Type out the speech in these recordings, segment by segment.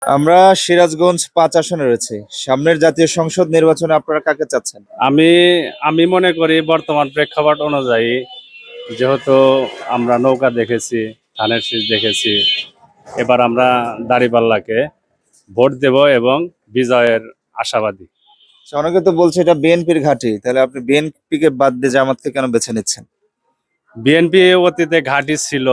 আমরা সিরাজগঞ্জ ৫ আসনে রয়েছে। সামনের জাতীয় সংসদ নির্বাচনে আপনারা কাকে চাচ্ছেন? আমি আমি মনে করি বর্তমান প্রেক্ষাপট অনুযায়ী, যেহেতু আমরা নৌকা দেখেছি, ধানের শীষ দেখেছি, এবার আমরা দাঁড়িপাল্লাকে ভোট দেব এবং বিজয়ের আশাবাদী। অনেকে তো বলছে এটা বিএনপির ঘাঁটি, তাহলে আপনি বিএনপি কে বাদ দিয়ে জামাতকে কেন বেছে নিচ্ছেন? বিএনপি অতীতে ঘাঁটি ছিল,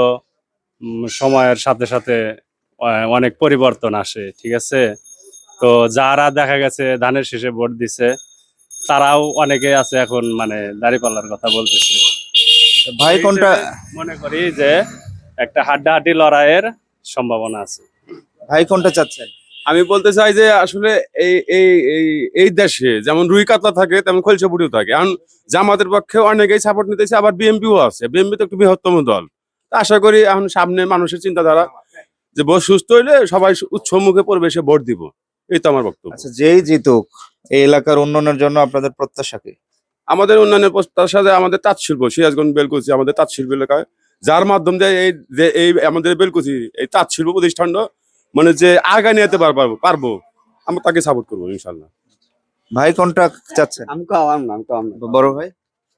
সময়ের সাথে সাথে অনেক পরিবর্তন আসে, ঠিক আছে। তো যারা দেখা গেছে ধানের শীষে ভোট দিছে, তারাও অনেকে আছে এখন মানে দাঁড়িপাল্লার কথা বলতেছে। ভাই এই কোনটা হিসেবে মনে করি যে একটা হাড্ডাহাড্ডি লড়াইয়ের সম্ভাবনা আছে। ভাই কোনটা চাচ্ছেন? আমি বলতে চাই যে আসলে এই এই এই এই দেশে যেমন রুই কাতলা থাকে তেমন খলসা পুটিও থাকে। এখন জামাতের পক্ষে অনেকেই সাপোর্ট নিতেছে, আবার বিএনপিও আছে। বিএনপি তো একটু বৃহত্তম দল। তা আশা করি এখন সামনে মানুষের চিন্তাধারা যে সুস্থ হইলে সবাই উৎসমুখে পরিবেশে ভোট দিব, এই তো আমার বক্তব্য। আচ্ছা, যেই জিতুক এই এলাকার উন্নয়নের জন্য আপনাদের প্রত্যাশা কি? আমাদের উন্নয়নের তার সাথে আমাদের তাঁত শিল্প, সিরাজগঞ্জ বেলকুচি আমাদের তাঁত শিল্প এলাকায়, যার মাধ্যম দিয়ে এই আমাদের বেলকুচি এই তাঁত শিল্প প্রতিষ্ঠানটা মানে যে আগায় নিয়ে যেতে পারবো, আমরা তাকে সাপোর্ট করবো ইনশাল্লাহ। ভাই কোনটা চাচ্ছেন? আমি কাওয়াম না, আমি কাওয়াম না। বড় ভাই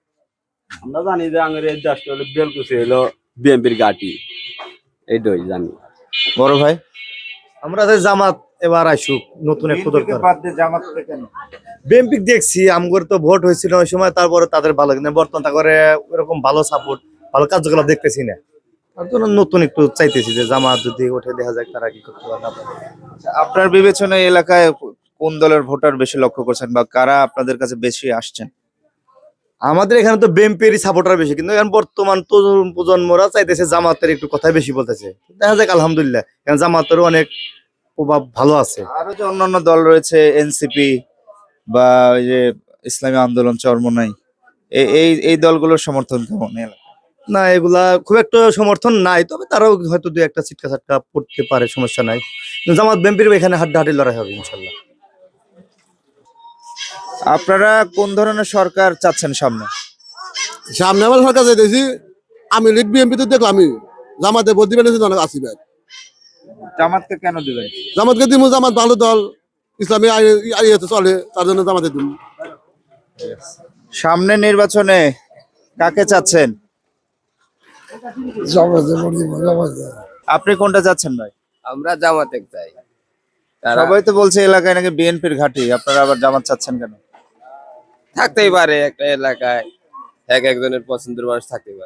আমরা জানি যে আমাদের এই দেশটা হলো বেলকুচি হলো বিএনপির ঘাঁটি, এইটাই জানি। বড় ভাই আমরা যে জামাত এবার আসুক, নতুন একটা দরকার। বাদ দিয়ে জামাতকে কেন? বিএনপি দেখছি আমগর তো ভোট হয়েছিল ওই সময়, তারপরে তাদের ভালো, কিন্তু বর্তমান তা করে এরকম ভালো সাপোর্ট, ভালো কার্যকলাপ দেখতেছি না। তার জন্য নতুন একটু চাইতেছি যে জামাত যদি ওঠে, দেখা যাক তারা কি করতে পারে না পারে। আপনার বিবেচনায় এই এলাকায় কোন দলের ভোটার বেশি লক্ষ্য করছেন বা কারা আপনাদের কাছে বেশি আসছেন? আমাদের এখানে তো বিএনপির সাপোর্টার বেশি, কিন্তু এখন বর্তমান তরুণ প্রজন্মরা চাইতেছে জামাতের একটু কথা বেশি বলতেছে। দেখা যাক, আলহামদুলিল্লাহ, কারণ জামাতেরও অনেক প্রভাব ভালো আছে। আরো যে অন্যান্য দল রয়েছে, এনসিপি বা ওই যে ইসলামী আন্দোলন চরমোনাই, এই দলগুলোর সমর্থন কেমন এই এলাকায়? না, এগুলা খুব একটা সমর্থন নাই, তবে তারাও হয়তো দুই একটা চিটকা চাটকা পড়তে পারে, সমস্যা নাই। কিন্তু জামাত বিএনপির এখানে হাড্ডাহাড্ডি লড়াই হবে ইনশাল্লাহ। আপনারা কোন ধরনের সরকার চাচ্ছেন সামনে? সামনে আমার সরকার চাইতেছি, আমি লিড বিএনপি তো দেখলাম, আমি জামাতে ভোট দিবেন অনেক আসিবেন। জামাতকে কেন দিবেন? জামাতকে দিব, জামাত ভালো দল, ইসলামী আইয়াতে চলে, তার জন্য জামাতে দিব। সামনে নির্বাচনে কাকে চাচ্ছেন? জামাতে ভোট দিব, জামাতে। আপনি কোনটা চাচ্ছেন ভাই? আমরা জামাতে চাই। সবাই তো বলছে এলাকায় নাকি বিএনপির ঘাঁটি, আপনারা আবার জামাত চাচ্ছেন কেন? থাকতেই পারে একটা এলাকায় এক একজনের পছন্দের মানুষ থাকতেই পারে।